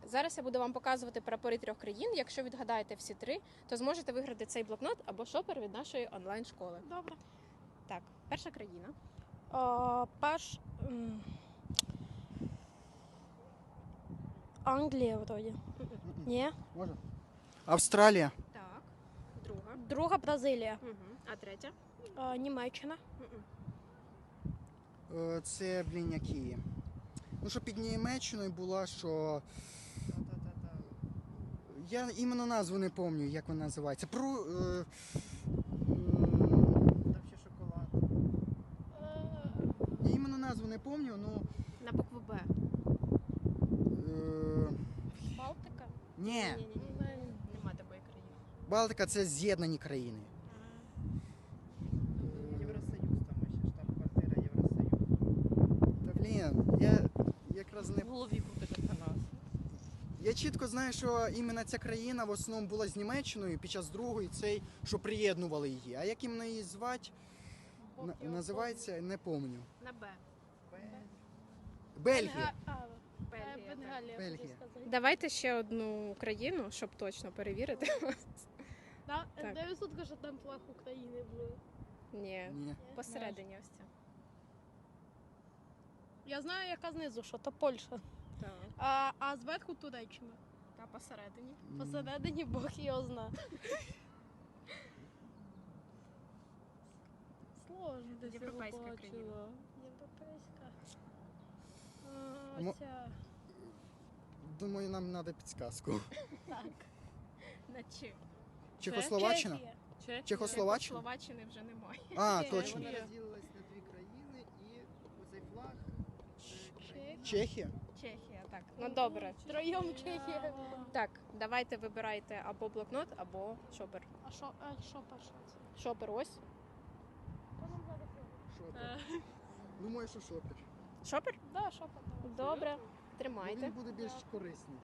Зараз я буду вам показувати прапори 3 країн. Якщо відгадаєте всі 3, то зможете виграти цей блокнот або шопер від нашої онлайн-школи. Добре. Так, перша країна. Англія вроді. Ні. Може? Австралія. Так. Друга. Друга Бразилія. Угу. А третя? Німеччина. Це, які? Ну, що під Німеччиною була, що... Я іменно назву не пам'ятаю, як вона називається. Там ще шоколад. Я іменно назву не пам'ятаю, ну... На букву Б. Балтика. Ні. Нема такої країни. Балтика – це з'єднані країни. Євросоюз, там ще штаб-квартира Євросоюзу. Та, я якраз не... В голові крутити про нас. Я чітко знаю, що іменно ця країна в основному була з Німеччиною під час Другої, цей, що приєднували її. А як іменно її звати, називається, не пам'ятаю. На Б. Бельгія. Бельгія. Бенгалія. Бельгія. хотів сказати. Давайте ще одну країну, щоб точно перевірити. Да, Так. 900, що там флаг України був. Ні. Ні. Посередині ось ця. Я знаю, яка знизу, що то Польща. Так. А зверху Туреччина. Та посередині. Посередині Бог його зна. Сложно десь його Європейська бачила. країна. Європейська. Мо- Ця. Думаю, нам треба підсказку. Так. На Ч. Чехословаччина? Чехія. Чехословаччина? Словаччини вже немає. А, Чехія. точно. Вона розділилась на 2 країни і оцей флаг. Це країна. Чехія? Чехія, так. Ну добре. Троєм Чехія. Так, давайте вибирайте або блокнот, або шопер. А що перше? Шопер ось. Шопер. Думаю, що шопер. Шопер? Да, що потім. Добре. Бо Тримайте. він буде більш корисний.